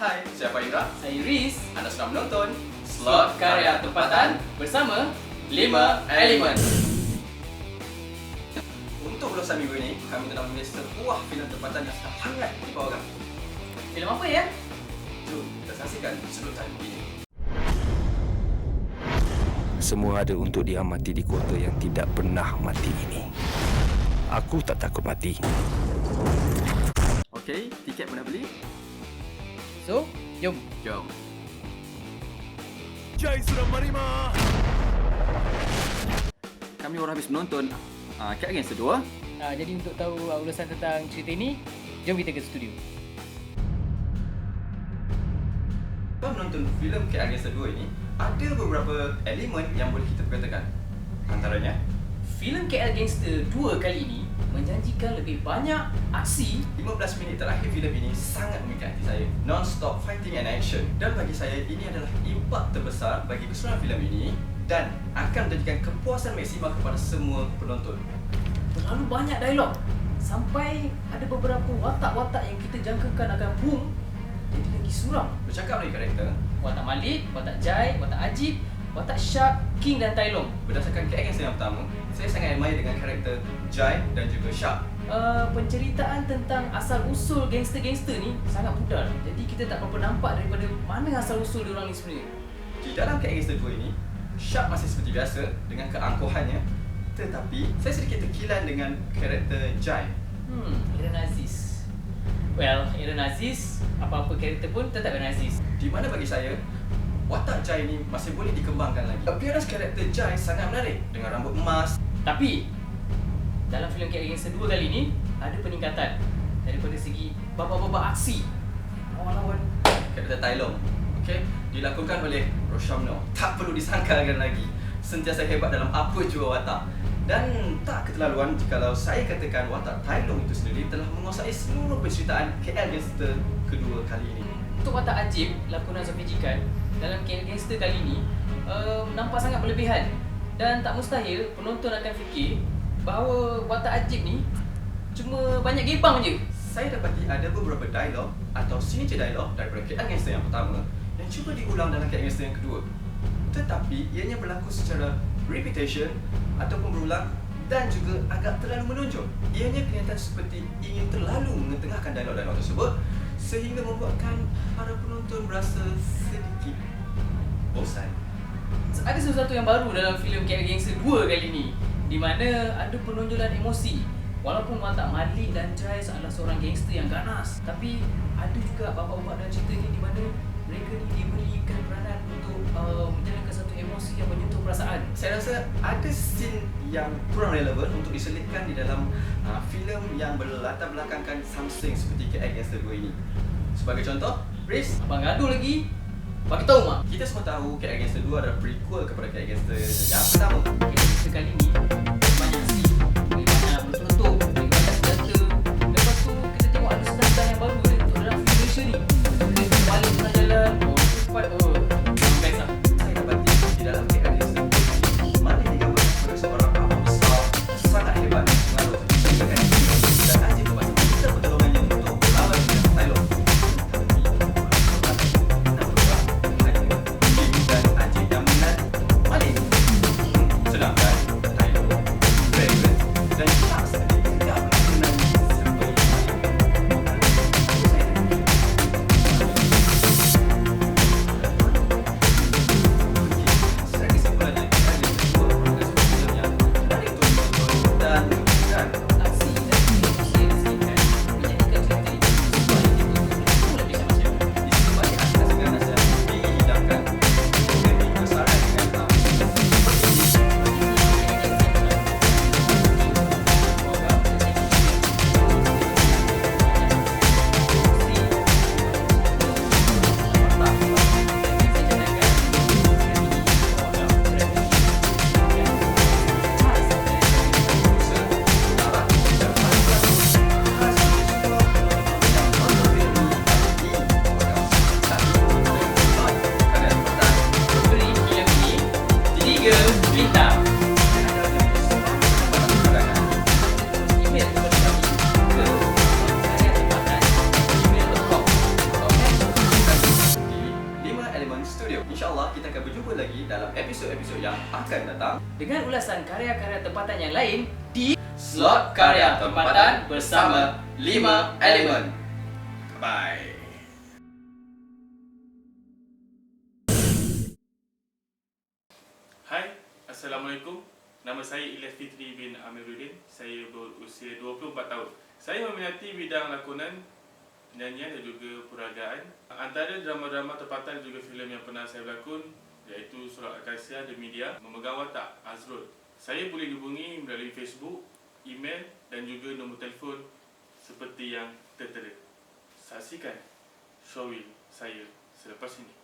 Hai, saya Faizra. Saya Riz. Anda sedang menonton Slot Karya Tempatan bersama 5 Elemen. Untuk ulasan minggu ini, kami telah memilih sebuah filem tempatan yang sedang hangat di bawah kami. Filem apa ya? Jom kita saksikan sedutan ini. Semua ada untuk diamati di kota yang tidak pernah mati ini. Aku tak takut mati. Okey, tiket pun dah beli? So, jom. Jom. Jai Surah Marima. Kami baru habis menonton Cat Against the 2. Jadi untuk tahu ulasan tentang cerita ini, jom kita ke studio. Setelah menonton filem Cat Against the 2 ini, ada beberapa elemen yang boleh kita perkatakan. Antaranya, Filem Cat Against the 2 kali ini menjanjikan lebih banyak aksi. 15 minit terakhir filem ini sangat memikat hati saya. Non-stop fighting and action. Dan bagi saya, ini adalah impak terbesar bagi keseluruhan filem ini dan akan menjadikan kepuasan maksimal kepada semua penonton. Terlalu banyak dialog. Sampai ada beberapa watak-watak yang kita jangkakan akan boom, jadi lagi suram. Bercakap mengenai karakter, Watak Malik, watak Jai, watak Ajib, watak Shark, King dan Tai Long. berdasarkan Cat Against yang pertama, saya sangat admire dengan karakter Jai dan juga Shark. Penceritaan tentang asal-usul gangster-gangster ni sangat pudar. Jadi kita tak berapa nampak daripada mana asal-usul diorang ni sebenarnya. Di dalam Cat Against the 2 ini, Shark masih seperti biasa dengan keangkuhannya, tetapi saya sedikit terkilan dengan karakter Jai. Aaron Aziz. Well, Aaron Aziz, apa-apa karakter pun tetap Aaron Aziz. Di mana bagi saya, watak Jai ni masih boleh dikembangkan lagi. Appearance karakter Jai sangat menarik dengan rambut emas. Tapi dalam filem Cat Against the 2 kali ni ada peningkatan daripada segi babak-babak aksi. Lawan-lawan Karakter Tai Long, okay, dilakukan oleh Roshamno. Tak perlu disangkalkan lagi. Sentiasa hebat dalam apa jua watak. Dan tak keterlaluan jikalau saya katakan watak Tai Long itu sendiri telah menguasai seluruh penceritaan KL Gangster kedua kali ini. untuk watak Ajib, lakonan Sofi Jikan dalam Cat Against the kali ni nampak sangat berlebihan dan tak mustahil penonton akan fikir bahawa watak Ajib ni cuma banyak gebang je. Saya dapati ada beberapa dialog atau signature dialog daripada KL Gangster yang pertama yang cuba diulang dalam KL Gangster yang kedua. Tetapi ianya berlaku secara repetition ataupun berulang dan juga agak terlalu menonjol. Ianya kelihatan seperti ingin terlalu mengetengahkan dialog-dialog tersebut sehingga membuatkan para penonton berasa sedikit bosan. Ada sesuatu yang baru dalam filem Cat Against the 2 kali ni, di mana ada penonjolan emosi. Walaupun watak Malik dan Jai adalah seorang gangster yang ganas, tapi ada juga babak-babak dalam cerita ni di mana mereka ni diberikan peranan untuk menjalankan satu emosi yang menyentuh perasaan. Saya rasa ada scene yang kurang relevan untuk diselitkan di dalam filem yang berlatar belakangkan something seperti Cat Against the 2 ini. Sebagai contoh, Riz, Abang gaduh lagi, bagi tahu mak. kita semua tahu Cat Against the 2 adalah prequel kepada Cat Against the yang pertama. Cerita kali ni banyak aksi, banyak bertutup, banyak senjata. Lepas tu kita tengok ada senjata yang baru dia untuk dalam Indonesia ni. Kita balik tengah jalan, cepat, best lah. Saya dapati di dalam Cat Against the 2 ini Malik digambarkan sebagai seorang abang besar sangat hebat mengaruh kebijakan dan Ajib lepas kita pertolongannya untuk melawan dengan Tai Long. Dan Ajib yang menang Malik. Sedangkan Tai Long, Raven dan Shark sendiri tidak menang seperti saya kesimpulannya ada dua progres filem yang menarik untuk ditonton dan dibutuhkan. Aksi dan emosi yang disediakan menjadikan cerita ini sebuah yang dibutuhkan lebih macam. Di sini banyak aspek seganas yang dihidangkan demi kesaran dengan Beri filem ini 3 bintang. Email kepada kami ke karya tempatan gmail.com. episod-episod yang akan datang dengan ulasan karya-karya tempatan yang lain di Slot Karya Tempatan bersama 5 Elemen. Bye. Hai, Assalamualaikum. Nama saya Ilyas Fitri bin Amiruddin. Saya berusia 24 tahun. Saya meminati bidang lakonan, nyanyian dan juga peragaan. Antara drama-drama tempatan dan juga filem yang pernah saya berlakon iaitu Surat Akasia, The Media, Memegang Watak, Azrul. Saya boleh dihubungi melalui Facebook, email dan juga nombor telefon seperti yang tertera. Saksikan showreel saya selepas ini.